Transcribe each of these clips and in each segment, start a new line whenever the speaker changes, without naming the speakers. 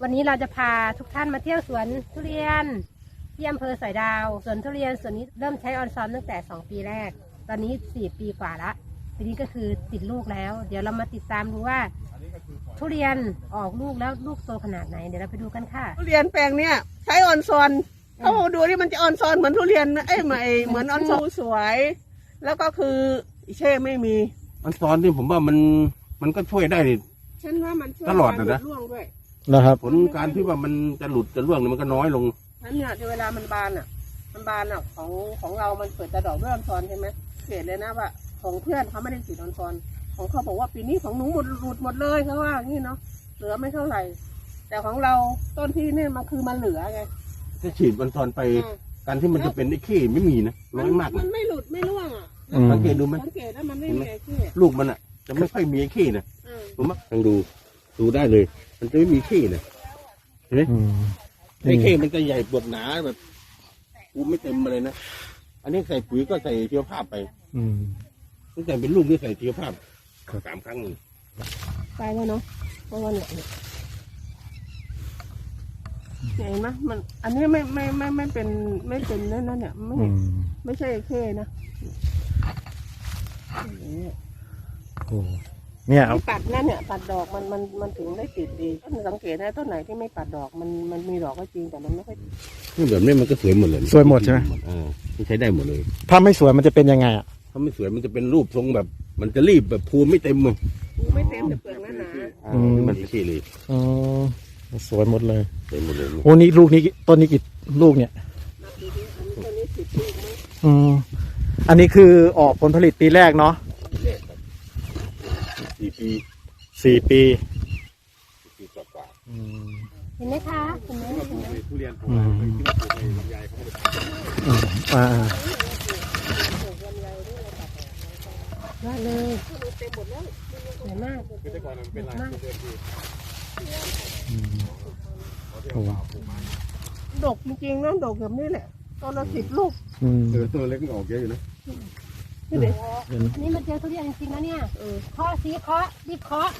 วันนี้เราจะพาทุกท่านมาเที่ยวสวนทุเรียนที่อำเภอสอยดาวสวนทุเรียนสวนนี้เริ่มใช้ออนซอนตั้งแต่2 ปีแรกตอนนี้4 ปีกว่าละทีนี้ก็คือติดลูกแล้วเดี๋ยวเรามาติดตามดูว่าทุเรียนออกลูกแล้วลูกโตขนาดไหนเดี๋ยวเราไปดูกันค่ะ
ทุเรียนแปลงเนี้ยใช้ออนซอนเขาดูที่มันจะออนซอนเหมือนทุเรียนเหมือนออนซอนสวยแล้วก็คือเช่ไม่มี
ออนซอนนี่ผมว่ามันก็ช่วยได้
ฉันว่ามันช่วย
ตลอดนะ
ร่วงด้วย
นะครับ
ผลการที่ว่ามันจะหลุดจะร่วงมันก็น้อยลง
นั่นเนี่ยเวลามันบานของเรามันเปิดแต่ดอกด้วยออนซอนใช่ไหมเห็นเลยนะว่าของเพื่อนเขาไม่ได้ฉีดออนซอนของเขาบอกว่าปีนี้ของหนูหลุดหมดเลยเขาว่างี้เนาะเหลือไม่เท่าไหร่แต่ของเราต้นที่เนี่ยมันคือมันเหลือไง
จะฉีดออนซอนไปการที่มันจะเป็นไอ้ขี้ไม่มีนะน้อยมาก
มันไม่หลุดไม่ร่วงอ่ะ
สังเกตดูไหม
สังเกตแล้วมันไม่มีไอ้ขี้
ลูกมันอ่ะจะไม่ค่อยมีไอ้ขี้นะผมว่าลองดูได้เลยมันจะไม่มีขี้นะเห็นไหมไอ้ขี้มันจะใหญ่ปวดหนาแบบกูไม่เต็มมาเลยนะอันนี้ใส่ปุ๋ยก็ใส่ชีวภาพไปตั้งแต่เป็นลูกนี่ใส่ชีวภาพ3 ครั้งเลย
ตายแล้วเนาะเพราะว่าเนี่ยเห็นไหมมันอันนี้ไม่เป็นนั่นเนี่ยไม่ใช่เข้นะ
โอ้เนี่ย
ปัดนั่นเนี่ยปัดดอกมันถึงได้ติดดีต้นสังเกตได้ต้นไหนที่ไม่ปัดดอกมันมีดอกก็จริงแต่มันไม่ค่อย
นี่แบบนี้มันก็สวยหมดเลย
สวยหมดใช่ไหม
ใช้ได้หมดเลย
ถ้าไม่สวยมันจะเป็นยังไงอ่ะ
ถ้าไม่สวยมันจะเป็นรูปทรงแบบมันจะรีบแบบภูไม่เต็มเลย
ภูไม่เต็มแต่เปลือกหนา
มันขี้เลย
สวยหมดเลย
สวยหมดเลย
โอ้นี่ลูกนี้ต้นนี้กี่ลูกเนี่ยอันนี้คือออกผลผลิตปีแรกเนาะ4 ปี
กว่า
เห็นไหมคะเห็นไหม
ทุเรียนผมลำไยเขา
ได้เลยสวยมาก
แต่ก่อนมันเป็นลายเดิม
ดกจริงๆนะดกแบบนี้แหละตอนเรา10 ลูก
ตัวเล็กมันออกเยอะอยู่นะ
นี่มาเจอทุเรียนจริงๆนะเนี่ยเคาะสีเคาะรีบเคาะ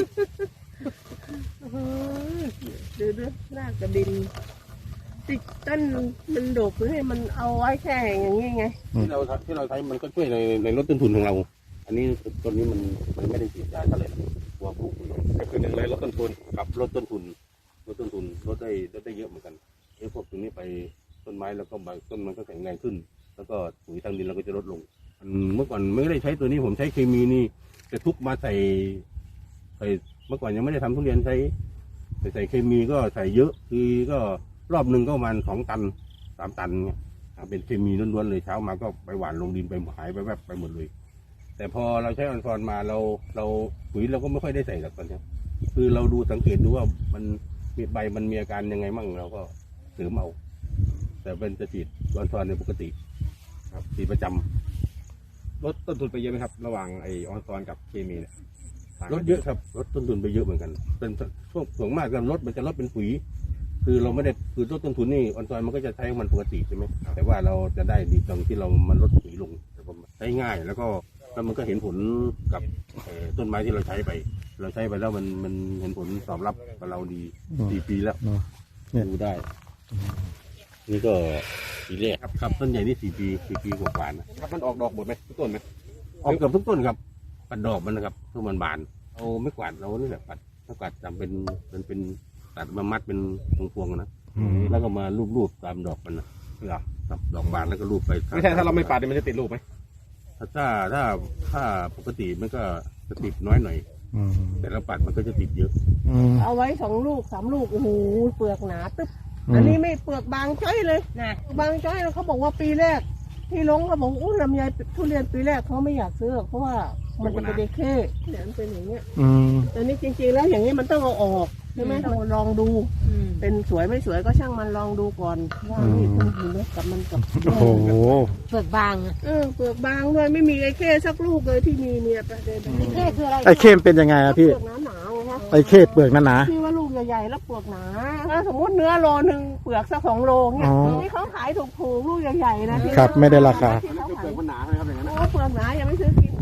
ดูรากกระดินติดต้นมันดกให้มันเอาไว้แค่อย่างนี้ไง
ที่เราใช้มันก็ช่วยในลดต้นทุนของเราอันนี้ต้นนี้มันไม่ได้ฉีดยาอะไรตัวปลูกก็คือ1เลยลดต้นทุนกับลดต้นทุนลดได้เยอะเหมือนกันพวกตรงนี้ไปต้นไม้แล้วก็ใบต้นมันก็แข็งแรงขึ้นแล้วก็ปุ๋ยทางดินเราก็จะลดลงเมื่อก่อนไม่ได้ใช้ตัวนี้ผมใช้เคมีนี่จะทุกมาใส่เมื่อก่อนยังไม่ได้ทำทุเรียนใส่เคมีก็ใส่เยอะคือก็รอบหนึ่งก็ประมาณ2 ตัน 3 ตันเนี่ยเป็นเคมีล้วนๆเลยเช้ามาก็ไปหว่านลงดินไปหายไปแวบไปหมดเลยแต่พอเราใช้ออนซอนมาเราปุ๋ยเราก็ไม่ค่อยได้ใส่หรอกตอนนี้คือเราดูสังเกตดูว่ามันมีใบมันมีอาการยังไงมั่งเราก็เสริมเอาแต่เป็นจะฉีดออนซอนในปกติครับฉีดประจำลดต้นทุนไปเยอะไหมครับระหว่างไอออนซอนกับเคมีเนี่ยลดเยอะครับลดต้นทุนไปเยอะเหมือนกันเป็นช่วงส่วนมากการลดมันจะลดเป็นปุ๋ยคือเราไม่ได้คือลดต้นทุนนี่ออนซอนมันก็จะใช้มันปกติใช่ไหมแต่ว่าเราจะได้ดีตรงที่เรามันลดปุ๋ยลงใช้ง่ายแล้วมันก็เห็นผลกับต้นไม้ที่เราใช้ไปแล้วมันเห็นผลตอบรับกับเราดี4 ปีแล้วดูได้นี่ก็ปีแรกครับต้นใหญ่นี่4 ปีกว่าๆนะครับมันออกดอกหมดไหมทุกต้นไหมออกเกือบทุกต้นครับปัดดอกมันนะครับทุกมันบานเอาไม่กวาดเรานี่แหละปัดถ้ากวาดจำเป็นตัดมามัดเป็นพวงๆนะแล้วก็มาลูบตามดอกมันนะครับดอกบานแล้วก็ลูบไป
ไม่ใช่ถ้าเราไม่ปัดมันจะติดลูกไหม
ถ้าปกติมันก็จะติดน้อยหน่อยแต่เราปัดมันก็จะติดเยอะ
เอาไว้2 ลูก 3 ลูกโอ้โหเปลือกหนาตึ๊บอันนี้ไม่เปลือกบางจ้อยเลยนะบางจ้อยแล้วเขาบอกว่าปีแรกที่ลงเขาบอกลำไยทุเรียนปีแรกเขาไม่อยากซื้อเพราะว่ามันจะเป็นเด็กเข้เนี่ยมันเป็นอย่างเงี้ยแต่นี่จริงๆแล้วอย่างนี้มันต้องเอาออกใช่ไหมเราลองดูเป็นสวยไม่สวยก็ช่างมันลองดูก่อนว่านี่มันอยู่ไหมกับมันกับ
โอ้โห
เปลือกบาง
เปลือกบางด้วยไม่มีไอ้เข้สักลูกเลยที่มีเนี่ยประเด็น
ไอ้เข้คืออะไร
ไอ้เข้เป็นยังไงอะพี่
เปลือกหนาๆนะ
ไอ้เข้เปลือกหนา
ที่ว่าลูกใหญ่ๆแล้วเปลือกหนาถ้าสมมติเนื้อโลนึงเปลือกสัก2 โลเนี่ยที่เขาขายถูกๆลูกใหญ่ๆนะครับ
ไม่ได้ราคา
เปลือกมันหนาเลยครับอย่างนั้นเปลือกหนายังไม่ซื้อกิน